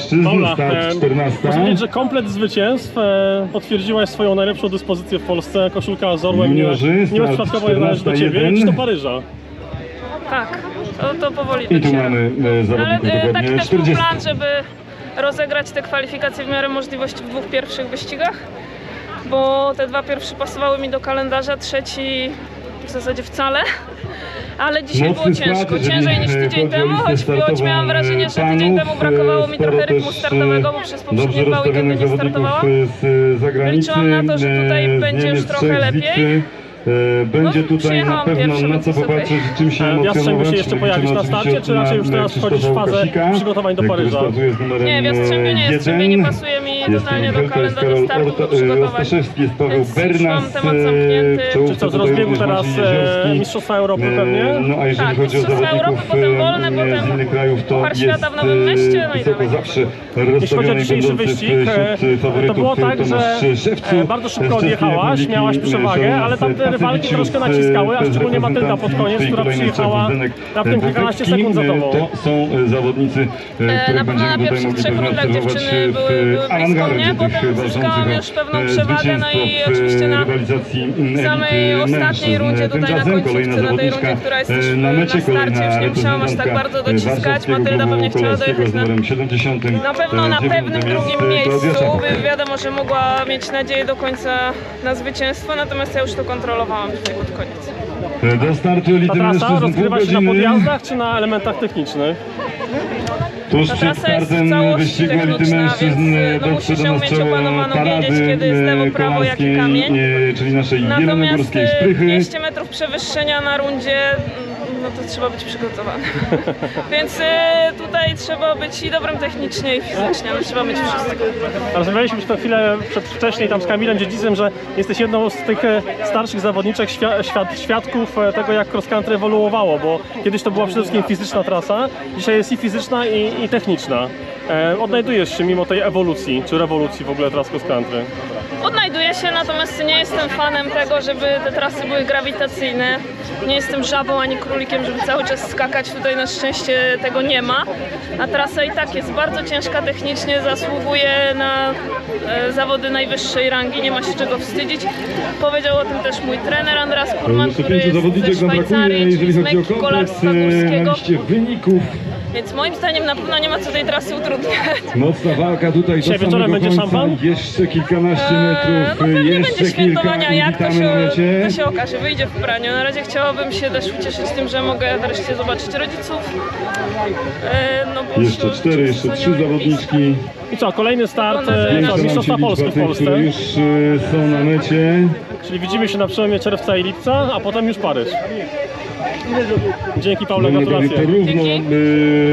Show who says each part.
Speaker 1: mężczyzn,
Speaker 2: Paula,
Speaker 1: start 14.
Speaker 2: muszę powiedzieć, że komplet zwycięstw potwierdziłaś swoją najlepszą dyspozycję w Polsce. Koszulka z orłem nie bezprzypadkowo należy do ciebie. Idź do Paryża.
Speaker 3: Tak, to powoli
Speaker 1: I tu
Speaker 3: docieram.
Speaker 1: mamy zawodników
Speaker 3: Ale
Speaker 1: dokładnie
Speaker 3: taki też był
Speaker 1: 40.
Speaker 3: plan, żeby rozegrać te kwalifikacje w miarę możliwości w dwóch pierwszych wyścigach, bo te dwa pierwsze pasowały mi do kalendarza, trzeci w zasadzie wcale. Ale dzisiaj
Speaker 1: Mocny
Speaker 3: było
Speaker 1: skład,
Speaker 3: ciężko,
Speaker 1: jeżeli
Speaker 3: ciężej niż
Speaker 1: chodzi
Speaker 3: tydzień
Speaker 1: o
Speaker 3: temu,
Speaker 1: listę
Speaker 3: choć miałam wrażenie, że tydzień temu brakowało mi trochę rytmu startowego, bo przez poprzednie dwa weekendy nie startowałam.
Speaker 1: Z zagranicy,
Speaker 3: Liczyłam na to, że tutaj będzie już
Speaker 1: Niemiec,
Speaker 3: trochę
Speaker 1: Czech, z
Speaker 3: lepiej.
Speaker 1: Litwy. Będzie
Speaker 3: No,
Speaker 1: tutaj na
Speaker 3: przyjechałam
Speaker 1: pewno
Speaker 3: pierwszy,
Speaker 1: na
Speaker 3: więc
Speaker 1: co
Speaker 3: jest okej.
Speaker 1: popatrzeć, czym się
Speaker 2: Jastrzębiu
Speaker 1: emocjonować.
Speaker 2: się jeszcze pojawisz na starcie, czy raczej już teraz wchodzisz w fazę przygotowań do Paryża?
Speaker 3: Nie, w Jastrzębiu nie, Jastrzębie nie pasuje mi totalnie do kalendarza startów do przygotowań.
Speaker 1: Ostaszewski, jest Paweł
Speaker 3: Więc już
Speaker 1: Bernas,
Speaker 3: mam temat zamknięty.
Speaker 2: Czy co, z rozbiegu teraz Mistrzostwa Europy pewnie?
Speaker 1: No a jeżeli
Speaker 3: Tak,
Speaker 1: chodzi o
Speaker 3: Mistrzostwa
Speaker 1: zawodników
Speaker 3: Europy, potem wolne,
Speaker 1: z
Speaker 3: potem
Speaker 1: innych krajów, to
Speaker 3: Puchar
Speaker 1: jest
Speaker 3: Świata w Nowym Mieście, no i
Speaker 1: wysoko
Speaker 3: dalej.
Speaker 1: zawsze
Speaker 2: Jeśli chodzi o
Speaker 1: rozstawiony
Speaker 2: dzisiejszy
Speaker 1: będący
Speaker 2: wyścig,
Speaker 1: wśród
Speaker 2: to
Speaker 1: faworytów
Speaker 2: było tak, że
Speaker 1: Tomasz Szewcu.
Speaker 2: bardzo szybko odjechałaś, miałaś przewagę, ale tam te rywalki troszkę naciskały, a szczególnie Matylda pod koniec, która przyjechała raptem kilkanaście sekund za tobą.
Speaker 1: To są zawodnicy, których
Speaker 3: Na pewno na
Speaker 1: będziemy tutaj
Speaker 3: pierwszych
Speaker 1: mogli
Speaker 3: trzech
Speaker 1: pewnie
Speaker 3: rundach
Speaker 1: obserwować
Speaker 3: dziewczyny były blisko
Speaker 1: awangardzie
Speaker 3: mnie,
Speaker 1: tych
Speaker 3: potem zyskałam
Speaker 1: walczących
Speaker 3: już pewną
Speaker 1: o
Speaker 3: przewagę, no i
Speaker 1: zwycięstwo w
Speaker 3: oczywiście na
Speaker 1: rywalizacji
Speaker 3: samej
Speaker 1: elity
Speaker 3: ostatniej
Speaker 1: mężczyzn.
Speaker 3: rundzie, tutaj na
Speaker 1: Tymczasem kolejna
Speaker 3: końcówce, na tej
Speaker 1: zawodniczka
Speaker 3: rundzie, która jest też
Speaker 1: na mecie,
Speaker 3: na starcie,
Speaker 1: kolejna
Speaker 3: już nie musiałam aż tak bardzo
Speaker 1: reprezentantka
Speaker 3: dociskać.
Speaker 1: warszawskiego
Speaker 3: Matylda pewnie
Speaker 1: klubu
Speaker 3: chciała
Speaker 1: kolarskiego
Speaker 3: dojechać
Speaker 1: z numerem 70.
Speaker 3: na pewno na pewnym drugim
Speaker 1: Klaudia
Speaker 3: miejscu,
Speaker 1: Czapek.
Speaker 3: wiadomo, że mogła mieć nadzieję do końca na zwycięstwo, natomiast ja już to kontrolowałam tutaj pod koniec.
Speaker 1: Do startu elity
Speaker 2: Ta trasa
Speaker 1: mężczyzn pół
Speaker 2: rozgrywa się na
Speaker 1: godziny.
Speaker 2: podjazdach czy na elementach technicznych?
Speaker 1: Tuż
Speaker 3: Ta
Speaker 1: przed
Speaker 3: trasa jest w
Speaker 1: startem
Speaker 3: całości
Speaker 1: wyścigu elity
Speaker 3: techniczna,
Speaker 1: mężczyzn
Speaker 3: więc no, musisz
Speaker 1: dotrze do
Speaker 3: ją
Speaker 1: nas
Speaker 3: mieć
Speaker 1: czoło
Speaker 3: opanowaną, wiedzieć,
Speaker 1: parady
Speaker 3: kiedy jest lewo, prawo, jaki
Speaker 1: kolarskiej,
Speaker 3: kamień.
Speaker 1: czyli naszej
Speaker 3: Natomiast
Speaker 1: jelonogórskiej szprychy.
Speaker 3: 200 metrów przewyższenia na rundzie, no to trzeba być przygotowany. Więc tutaj trzeba być i dobrym technicznie i fizycznie, ale trzeba mieć wszystko.
Speaker 2: Rozmawialiśmy przed chwilę wcześniej tam z Kamilem Dziedzicem, że jesteś jedną z tych starszych zawodniczek, świadków tego, jak cross country ewoluowało, bo kiedyś to była przede wszystkim fizyczna trasa, dzisiaj jest i fizyczna, i techniczna. Odnajdujesz się mimo tej ewolucji, czy rewolucji w ogóle teraz cross country?
Speaker 3: Odnajduję się, natomiast nie jestem fanem tego, żeby te trasy były grawitacyjne. Nie jestem żabą ani królikiem, żeby cały czas skakać. Tutaj na szczęście tego nie ma. A trasa i tak jest bardzo ciężka technicznie, zasługuje na zawody najwyższej rangi, nie ma się czego wstydzić. Powiedział o tym też mój trener Andras Kurman, który jest ze Szwajcarii, czyli z Mekki Kolarstwa Górskiego.
Speaker 1: na liście wyników.
Speaker 3: Więc moim zdaniem na pewno nie ma co tej trasy utrudniać.
Speaker 1: Mocna walka tutaj do
Speaker 2: Dzisiaj wieczorem
Speaker 1: samego
Speaker 2: będzie
Speaker 1: końca.
Speaker 2: szampan?
Speaker 1: Jeszcze kilkanaście metrów,
Speaker 3: No pewnie
Speaker 1: jeszcze
Speaker 3: będzie świętowania,
Speaker 1: kilka i
Speaker 3: jak to
Speaker 1: witamy na mecie.
Speaker 3: się okaże, wyjdzie w praniu. Na razie chciałabym się też ucieszyć tym, że mogę wreszcie zobaczyć rodziców. No bo
Speaker 1: Jeszcze
Speaker 3: już
Speaker 1: 4, jeszcze 3
Speaker 3: nie ma
Speaker 1: zawodniczki.
Speaker 2: I co, kolejny start
Speaker 3: Jeszcze
Speaker 2: Mistrzostwa Polski w Polsce,
Speaker 1: które już są na mecie.
Speaker 2: czyli widzimy się na przełomie czerwca i lipca, a potem już Paryż. Dzięki Paula, gratulacje.
Speaker 1: Porówno,
Speaker 3: Dzięki.